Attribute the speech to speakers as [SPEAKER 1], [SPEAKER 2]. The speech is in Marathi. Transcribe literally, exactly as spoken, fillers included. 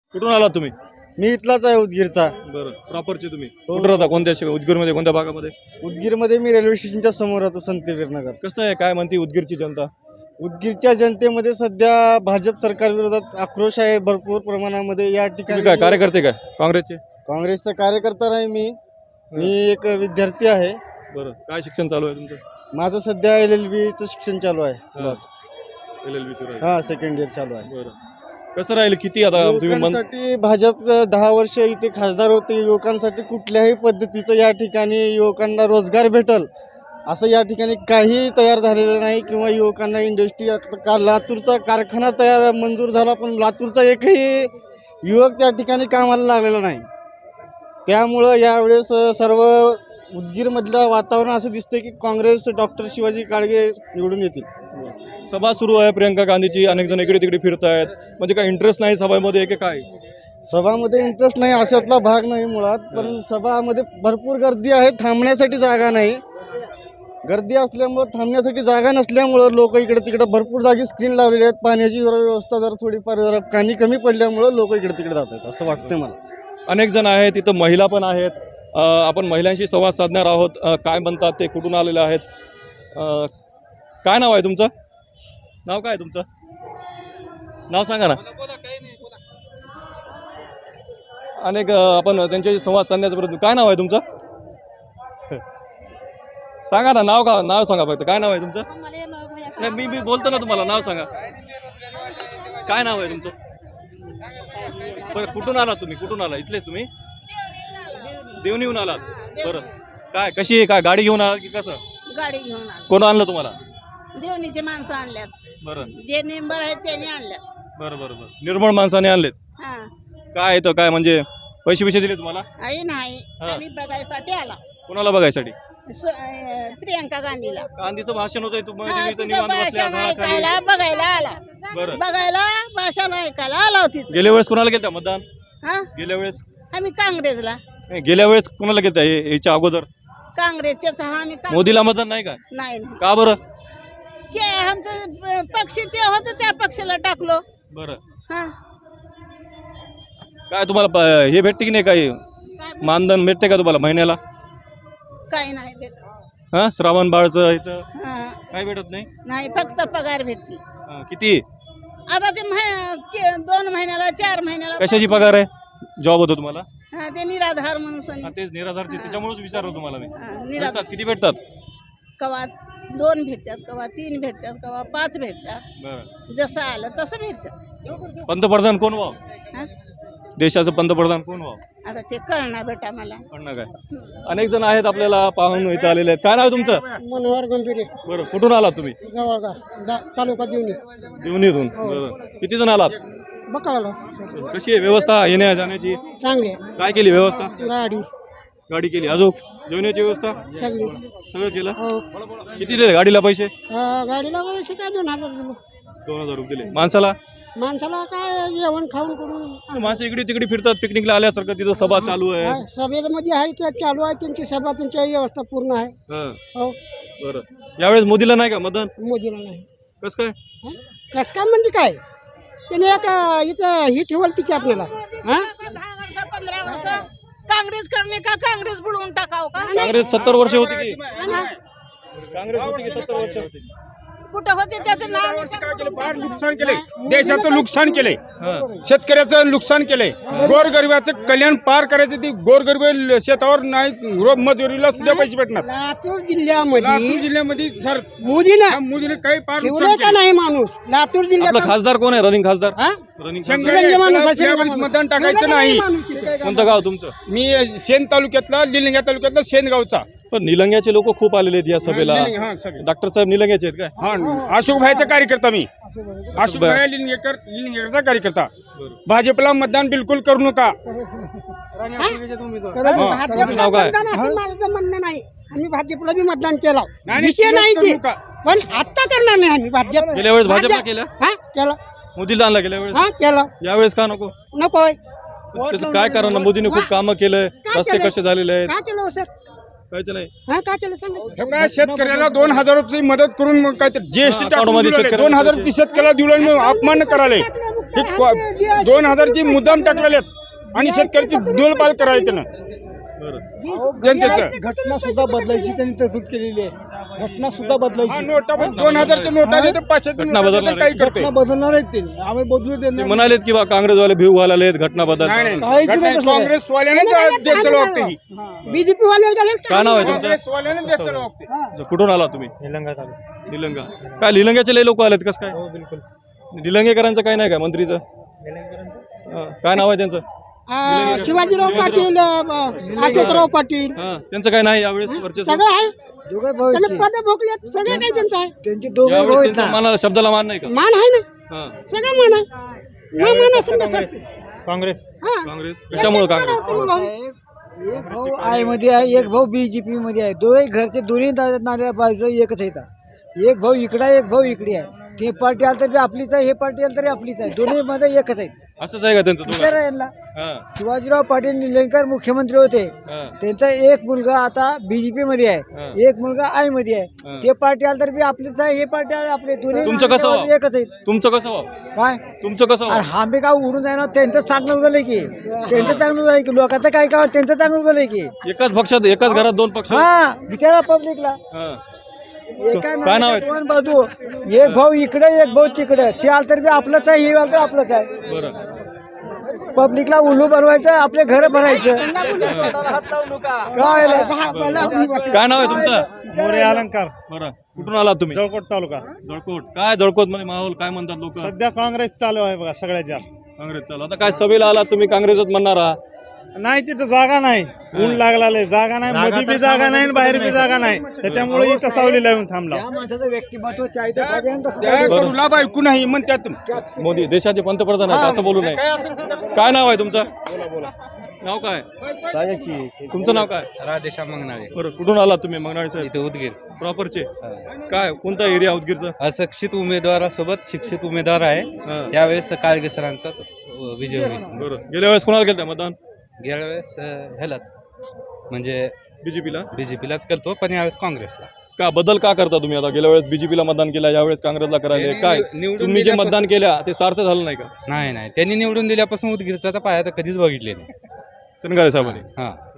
[SPEAKER 1] कुठून आलात तुम्ही?
[SPEAKER 2] मी इथलाच आहे उदगीरचा.
[SPEAKER 1] बरं, प्रॉपरचे तुम्ही कुठं राहता? कोणत्या शे- उदगीरमध्ये कोणत्या भागामध्ये?
[SPEAKER 2] उदगीरमध्ये मी रेल्वे स्टेशनच्या समोर राहतो, संतवीर नगर.
[SPEAKER 1] कसं आहे, काय म्हणते उदगीरची जनता?
[SPEAKER 2] उदगीरच्या जनतेमध्ये सध्या भाजप सरकार विरोधात आक्रोश आहे भरपूर प्रमाणामध्ये. या
[SPEAKER 1] तुम्ही
[SPEAKER 2] ठिकाणी
[SPEAKER 1] काय कार्यकर्ते काय काँग्रेसचे?
[SPEAKER 2] काँग्रेसचा कार्यकर्ता नाही मी मी एक विद्यार्थी आहे.
[SPEAKER 1] बरं, काय शिक्षण चालू आहे तुमचं?
[SPEAKER 2] माझं सध्या एल एल बीचं शिक्षण चालू आहे.
[SPEAKER 1] L L B.
[SPEAKER 2] हा, सेकंड इयर चालू आहे.
[SPEAKER 1] बरं, कसं राहील? किती आता तुम्ही मन
[SPEAKER 2] युवकांसाठी भाजप दहा वर्ष इथे खासदार होते. युवकांसाठी कुठल्याही पद्धतीचं या ठिकाणी युवकांना रोजगार भेटल असं या ठिकाणी काही तयार झालेलं नाही. किंवा युवकांना इंडस्ट्री का लातूरचा कारखाना तयार मंजूर झाला, पण लातूरचा एकही युवक त्या ठिकाणी कामाला लागलेला नाही. त्यामुळं यावेळेस सर्व उदगीरमधलं वातावरण असं दिसतंय की काँग्रेस डॉक्टर शिवाजी काळगे निवडून येतील.
[SPEAKER 1] सभा सुरू आहे प्रियंका गांधीची, अनेक जण इकडे तिकडे फिरत आहेत, म्हणजे काय इंटरेस्ट नाही सभामध्ये की काय?
[SPEAKER 2] सभामध्ये इंटरेस्ट नाही अशातला भाग नाही मुळात, पण सभामध्ये भरपूर गर्दी आहे, थांबण्यासाठी जागा नाही. गर्दी असल्यामुळं थांबण्यासाठी जागा नसल्यामुळं लोक इकडे तिकडे भरपूर जागी स्क्रीन लावलेली आहेत. पाण्याची जरा व्यवस्था जरा थोडीफार जरा पाणी कमी पडल्यामुळं लोक इकडे तिकडे जात आहेत असं वाटतं मला.
[SPEAKER 1] अनेक जण आहेत, तिथं महिला पण आहेत. अ, आपण महिलांशी संवाद साधणार आहोत. अ, काय म्हणतात ते, कुठून आलेले आहेत? अ, काय नाव आहे तुमचं? नाव काय आहे तुमचं? नाव सांगा ना. अनेक अ, आपण त्यांच्याशी संवाद साधण्याचा प्रयत्न. काय नाव आहे तुमचं? सांगा ना, नाव का नाव सांगा फक्त. काय नाव आहे तुमचं? नाही, मी मी बोलतो ना तुम्हाला, नाव सांगा. काय नाव आहे तुमचं? बरं, कुठून आलात तुम्ही? कुठून आला? इथलेच तुम्ही? देवणीहून आलात. बरं, काय कशी आहे? काय गाडी घेऊन आलात की कसं?
[SPEAKER 3] गाडी घेऊन आलो.
[SPEAKER 1] कोण आणलं तुम्हाला?
[SPEAKER 3] देवणीचे माणसं आणल्यात.
[SPEAKER 1] बरं
[SPEAKER 3] जे नेंबर आहेत त्यांनी आणल्यात.
[SPEAKER 1] बरं बरं बरं निर्मळ माणसाने आणलेत.
[SPEAKER 3] हा,
[SPEAKER 1] काय येतं काय म्हणजे पैसे पैसे दिले तुम्हाला?
[SPEAKER 3] आई नाही,
[SPEAKER 1] हा.
[SPEAKER 3] आम्ही बघायसाठी आला.
[SPEAKER 1] कोणाला बघायसाठी?
[SPEAKER 3] सु- अं, प्रियंका गांधीला.
[SPEAKER 1] गांधीचं भाषण होतंय तुम्ही
[SPEAKER 3] हा,
[SPEAKER 1] इथं
[SPEAKER 3] तिचं
[SPEAKER 1] निवांत बसल्या
[SPEAKER 3] भाषण
[SPEAKER 1] झाडाखाली.
[SPEAKER 3] ऐकायला बघायला आला.
[SPEAKER 1] बरं,
[SPEAKER 3] बघायला भाषण ऐकायला आला होती.
[SPEAKER 1] गेल्या वेळेस कोणाला गेलता मतदान?
[SPEAKER 3] हा,
[SPEAKER 1] गेल्या वेळेस
[SPEAKER 3] आम्ही काँग्रेसला.
[SPEAKER 1] नाही, गेल्या वेळेस कोणाला गेलता? हे- याच्या अगोदर
[SPEAKER 3] काँग्रेसच्याच हा आम्ही काँग्रेस-
[SPEAKER 1] मोदीला मतदान नाही का?
[SPEAKER 3] नाही नाही.
[SPEAKER 1] का बरं?
[SPEAKER 3] के आमचं अं, पक्ष ते होतं त्या पक्षाला टाकलो.
[SPEAKER 1] बरं,
[SPEAKER 3] हा,
[SPEAKER 1] काय तुम्हाला प- हे भेटते की नाही? काही
[SPEAKER 3] काय
[SPEAKER 1] मानधन भेटते का तुम्हाला महिन्याला?
[SPEAKER 3] काही नाही भेटत.
[SPEAKER 1] हा, श्रावण बाळचं ह्याचं
[SPEAKER 3] हा,
[SPEAKER 1] काय भेटत नाही?
[SPEAKER 3] नाही, फक्त पगार भेटते.
[SPEAKER 1] हा, किती?
[SPEAKER 3] आता ते मह- के- दोन महिन्याला चार महिन्याला
[SPEAKER 1] कशाची पगार आहे? जॉब होतो तुम्हाला?
[SPEAKER 3] हा, ते निराधार म्हणून सनी.
[SPEAKER 1] हा, तेच निराधारचे, त्याच्यामुळेच विचारलं तुम्हाला मी.
[SPEAKER 3] हा, निराधार
[SPEAKER 1] भेटतात किती भेटतात?
[SPEAKER 3] कवा दोन भेटतात, कवा तीन भेटतात, कवा पाच भेटतात.
[SPEAKER 1] बरं,
[SPEAKER 3] जसं आलं तसं भेटतात.
[SPEAKER 1] पंतप्रधान कोण व्हावं?
[SPEAKER 3] हा,
[SPEAKER 1] देशाचं पंतप्रधान कोण व्हावं?
[SPEAKER 3] आता ते कळणार बेटा मला.
[SPEAKER 1] म्हणणं काय? अनेक जण आहेत आपल्याला पाहून इथं आलेले आहेत. काय नाव आहे तुमचं?
[SPEAKER 2] मनोहर गंभीरे,
[SPEAKER 1] बरं, कुठून आलात तुम्ही?
[SPEAKER 2] जवळगा तालुका देवणी.
[SPEAKER 1] देवणीतून. बरं, किती जण आलात?
[SPEAKER 2] बकाळा
[SPEAKER 1] कशी आहे व्यवस्था येण्या जाण्याची?
[SPEAKER 2] चांगले
[SPEAKER 1] काय केली व्यवस्था?
[SPEAKER 2] गाडी
[SPEAKER 1] गाडी केली, अजून जेवणाची व्यवस्था
[SPEAKER 2] सगळी.
[SPEAKER 1] सगळं केलं.
[SPEAKER 2] हो,
[SPEAKER 1] किती दिले गाडीला पैसे?
[SPEAKER 2] गाडीला पैसे काय दोन हजार दिलो.
[SPEAKER 1] दोन हजार रुपये दिले. माणसाला?
[SPEAKER 2] माणसाला काय जेवण खाऊन करून
[SPEAKER 1] माणसं इकडे तिकडे फिरतात पिकनिकला आल्यासारखं. तिथं सभा चालू आहे.
[SPEAKER 2] सभेमध्ये आहे ते चालू आहे, त्यांची सभा त्यांची व्यवस्था पूर्ण आहे.
[SPEAKER 1] हं,
[SPEAKER 2] हो,
[SPEAKER 1] बरं. यावेळेस मोदीला नाही का मतदान?
[SPEAKER 2] मोदीला नाही.
[SPEAKER 1] कसं काय?
[SPEAKER 2] कसं काय म्हणजे काय, त्याने एक इथं ही ठेवल तिथे आपल्याला. हा,
[SPEAKER 3] दहा वर्ष पंधरा वर्ष काँग्रेस करणे का काँग्रेस बुडवून टाकाव का?
[SPEAKER 1] काँग्रेस सत्तर वर्ष होती की?
[SPEAKER 3] हा,
[SPEAKER 1] काँग्रेस होती की सत्तर वर्ष होती?
[SPEAKER 3] कुठं होते त्याचं नाव
[SPEAKER 4] काय केलं? फार नुकसान केलंय, देशाचं नुकसान केलंय,
[SPEAKER 1] हं,
[SPEAKER 4] शेतकऱ्याचं नुकसान केलंय, गोरगरिबाचं कल्याण पार करायचं. ती गोरगरीब शेतावर नाही, रोज मजुरीला सुद्धा पैसे भेटणार.
[SPEAKER 2] लातूर
[SPEAKER 4] लातूर
[SPEAKER 2] जिल्ह्यामध्ये
[SPEAKER 4] जिल्ह्यामध्ये सर
[SPEAKER 2] मोदीनं
[SPEAKER 4] मोदीने काही फार
[SPEAKER 2] ठेवलंय
[SPEAKER 4] नुकसान
[SPEAKER 2] का
[SPEAKER 4] केलं.
[SPEAKER 2] नाही माणूस लातूर
[SPEAKER 1] आपला
[SPEAKER 2] जिल्ह्यात?
[SPEAKER 1] खासदार कोण आहे? रनिंग खासदार?
[SPEAKER 2] हा?
[SPEAKER 1] रनिंग
[SPEAKER 4] शंकर
[SPEAKER 1] खासदार
[SPEAKER 2] रंगे माणूस
[SPEAKER 4] त्याला
[SPEAKER 2] असेल ना
[SPEAKER 4] त्यावेळेस
[SPEAKER 2] माणूस.
[SPEAKER 4] मतदान टाकायचं
[SPEAKER 2] ठेवलं का
[SPEAKER 4] नाही.
[SPEAKER 2] माणूस तिथे?
[SPEAKER 1] कोणतं गाव तुमचं?
[SPEAKER 4] मी शेण तालुक्यातला, निलंग्या तालुक्यातला शेणगावचा.
[SPEAKER 1] पण निलंग्याचे लोक खूप आलेले आहेत या सभेला.
[SPEAKER 4] निलंगे, हा, सगळे.
[SPEAKER 1] डॉक्टर साहेब निलंग्याचे आहेत काय?
[SPEAKER 4] हा, अशोक भाईचा कार्यकर्ता मी. अशोक भाई लिंगेकर लिंगेकरचा कार्यकर्ता. भाजपला मतदान बिलकुल करू नका.
[SPEAKER 2] खरंच
[SPEAKER 4] हा.
[SPEAKER 2] भाजपला
[SPEAKER 1] तुमचं नाव काय?
[SPEAKER 2] मतदान असं माझं तर म्हणणं नाही. आम्ही भाजपला बी मतदान केलं,
[SPEAKER 4] नाही,
[SPEAKER 2] विषय नाही
[SPEAKER 4] करू
[SPEAKER 2] ते.
[SPEAKER 4] नका.
[SPEAKER 2] पण आता करणार नाही आम्ही भाजप.
[SPEAKER 1] गेल्या वेळेस भाजपला
[SPEAKER 2] भाजप-
[SPEAKER 1] केलं?
[SPEAKER 2] हा, केलं.
[SPEAKER 1] मोदीला आणला गेल्या वेळेस?
[SPEAKER 2] हा, केलं.
[SPEAKER 1] यावेळेस का नको?
[SPEAKER 2] नकोय.
[SPEAKER 1] त्याचं काय कारण? मोदीने खूप कामं केलंय,
[SPEAKER 2] काय
[SPEAKER 1] रस्ते
[SPEAKER 2] केलंय?
[SPEAKER 1] कसे झालेले आहेत?
[SPEAKER 2] का केलं हो सर?
[SPEAKER 1] काहीच नाही.
[SPEAKER 2] हा, का केलं सांगा.
[SPEAKER 4] हे काय शेतकऱ्याला दोन हजार रुपये मदत करून मग काय जीएसटी
[SPEAKER 1] हा,
[SPEAKER 4] टाकून
[SPEAKER 1] अकाउंटमध्ये
[SPEAKER 4] दिलेलं आहे.
[SPEAKER 1] शेतकऱ्याला
[SPEAKER 4] दोन हजार
[SPEAKER 1] पैसे.
[SPEAKER 4] ती शेतकऱ्याला दिलं अपमान करायला.
[SPEAKER 2] टाकलं, मग
[SPEAKER 4] हे को- दोन हजारची मुद्दाम टाकलेले आहेत आणि शेतकऱ्याची दोलपाल करायची त्यानं
[SPEAKER 1] बरं
[SPEAKER 4] जनतेचं
[SPEAKER 2] घटना सुद्धा बदलायची त्यांनी तरतूद केलेली आहे. घटना सुद्धा
[SPEAKER 4] हा,
[SPEAKER 2] बदलायची.
[SPEAKER 4] नोटा पण दोन हजारच्या नोटा देतो पाचशे
[SPEAKER 1] घटना बदलणार आहे.
[SPEAKER 4] काही करते
[SPEAKER 2] घटना बदलणार आहेत त्यांनी. आम्ही बदलू
[SPEAKER 1] ते
[SPEAKER 2] देणार
[SPEAKER 1] म्हणालेत की बा काँग्रेसवाले भिव घालालेत घटना बदल
[SPEAKER 4] नाही नाही
[SPEAKER 2] काहीच नाही
[SPEAKER 4] घटना
[SPEAKER 2] तसं.
[SPEAKER 4] काँग्रेसवाल्यानेच देत चालू वागते ही
[SPEAKER 5] बीजेपी वाले गेले
[SPEAKER 1] काय नाव आहे तुमचं
[SPEAKER 4] काँग्रेसवाल्यानेच देत चालू वागते
[SPEAKER 1] अच्छा, कुठून आला तुम्ही निलंगा काय निलंग्याचे लय लोक आलेत कसं काय निलंगेकरांचं काय नाही काय मंत्रीचं हा, काय नाव आहे त्यांचं
[SPEAKER 5] शिवाजीराव पाटील अशोकराव पाटील
[SPEAKER 1] हा त्यांचं काय नाही यावेळेस वर्चस्व
[SPEAKER 5] सगळं आहे
[SPEAKER 6] दोघे भाऊ
[SPEAKER 5] त्यांनी पद भोगले सगळं काही त्यांचं आहे
[SPEAKER 6] त्यांचे दोघे भाऊ
[SPEAKER 1] यावेळेस
[SPEAKER 6] आहेत
[SPEAKER 1] त्यांच्या
[SPEAKER 6] ना.
[SPEAKER 1] मानाला शब्दाला मान नाही का
[SPEAKER 5] मान आहे ना
[SPEAKER 1] हा
[SPEAKER 5] सगळं मान आहे न मान असून कसं
[SPEAKER 2] काँग्रेस
[SPEAKER 5] हा
[SPEAKER 1] काँग्रेस कशामुळे काँग्रेस
[SPEAKER 6] एक भाऊ आय मध्ये आहे एक भाऊ बीजेपी मध्ये आहे दोघे घरचे दोन्ही दा- नाल्या बाजू एकच आहेत. एक भाऊ इकडे आहे, एक भाऊ इकडे आहे. ते पार्टी आलं तरी आपलीच आहे, हे पार्टी आलं तरी आपलीच आहे. दोन्ही मध्ये एकच आहेत.
[SPEAKER 1] असंच आहे का त्यांचं
[SPEAKER 6] विचार
[SPEAKER 1] दोघं
[SPEAKER 6] आहे यांना.
[SPEAKER 1] हा
[SPEAKER 6] शिवाजीराव पाटील निलंगेकर मुख्यमंत्री होते.
[SPEAKER 1] हा
[SPEAKER 6] त्यांचा एक मुलगा आता बीजेपी मध्ये
[SPEAKER 1] हा.
[SPEAKER 6] आहे, एक मुलगा आय मध्ये
[SPEAKER 1] हा.
[SPEAKER 6] आहे. ते पार्टी आलं तरी बी आपलीच आहे, हे पार्टी आहे आपले दोन्ही
[SPEAKER 1] तुमचं कसं
[SPEAKER 6] नाल्यावर
[SPEAKER 1] व्हावं?
[SPEAKER 6] एकच आहेत.
[SPEAKER 1] तुमचं कसं व्हावं
[SPEAKER 6] काय
[SPEAKER 1] तुमचं कसं
[SPEAKER 6] अरे
[SPEAKER 1] व्हावं?
[SPEAKER 6] आम्ही काय उडून जाणार त्यांचं चांगलं उगलंय की त्यांचं चांगलं उगलंय की लोकांचं काय काय त्यांचं चांगलं उगलंय की
[SPEAKER 1] एकाच पक्षात एकाच घरात दोन पक्ष
[SPEAKER 6] हा बिचारा पब्लिकला
[SPEAKER 1] हा
[SPEAKER 6] एका
[SPEAKER 1] काय नाव
[SPEAKER 6] नाण्याच्या
[SPEAKER 1] आहे?
[SPEAKER 6] दोन बाजू एक भाऊ इकडे एक भाऊ तिकडे ते आलं तर बी आपलंच आहे हे आलं तर आपलंच आहे
[SPEAKER 1] बरं
[SPEAKER 6] पब्लिकला उल्लू बनवायचं आपले घर भरायचं काय
[SPEAKER 1] काय नाव आहे तुमचं
[SPEAKER 2] मोरे अलंकार
[SPEAKER 1] बरं कुठून आला तुम्ही
[SPEAKER 2] जळकोट तालुका.
[SPEAKER 1] जळकोट काय जळकोट मध्ये माहोल काय म्हणतात लोक
[SPEAKER 2] सध्या काँग्रेस चालू आहे बघा सगळ्यात जास्त.
[SPEAKER 1] काँग्रेस चालू आता काय सभेला आला तुम्ही काँग्रेसच म्हणणार आहात
[SPEAKER 2] नाही तिथं जागा नाही ऊन लागला जागा नाही मध्ये बी जागा नाही आणि बाहेर बी जागा नाही त्याच्यामुळे इथं सावलीला येऊन थांबला.
[SPEAKER 6] या माणसाचं व्यक्तिमत्व चाहते पाहिजे ना तसं.
[SPEAKER 4] त्या कडूला बायको नाही म्हणतात
[SPEAKER 1] मोदी देशाचे पंतप्रधान आहेत असं बोलू नये काय नाव आहे तुमचं नाव काय तुमचं नाव काय
[SPEAKER 7] राधेश्याम मंगनाळे
[SPEAKER 1] बरं कुठून आला तुम्ही मंगनाळे साहेब
[SPEAKER 7] इथे उदगीर
[SPEAKER 1] प्रॉपरचे काय कोणता एरिया उदगीरचा
[SPEAKER 7] अशिक्षित उमेदवारासोबत शिक्षित उमेदवार आहे
[SPEAKER 1] हा.
[SPEAKER 7] यावेळेस काळगे सरांचाच विजय होईल
[SPEAKER 1] बरं गेल्या वेळेस कोणाला केलं मतदान
[SPEAKER 7] गेल्या वेळेस अं, ह्यालाच म्हणजे
[SPEAKER 1] बीजेपीला
[SPEAKER 7] बीजेपीलाच करतो पण यावेळेस काँग्रेसला
[SPEAKER 1] का बदल का करता तुम्ही आता गेल्या वेळेस बीजेपीला मतदान केलं यावेळेस काँग्रेसला करायला काय
[SPEAKER 7] निवडून
[SPEAKER 1] तुम्ही जे
[SPEAKER 7] दिल्यापासून-
[SPEAKER 1] मतदान केल्या ते सार्थ झालं नाही का
[SPEAKER 7] नाही नाही त्यांनी निवडून दिल्यापासून उदगीरचा तर पाया तर कधीच बघितले नाही
[SPEAKER 1] सनगारे साहेबांनी
[SPEAKER 7] हां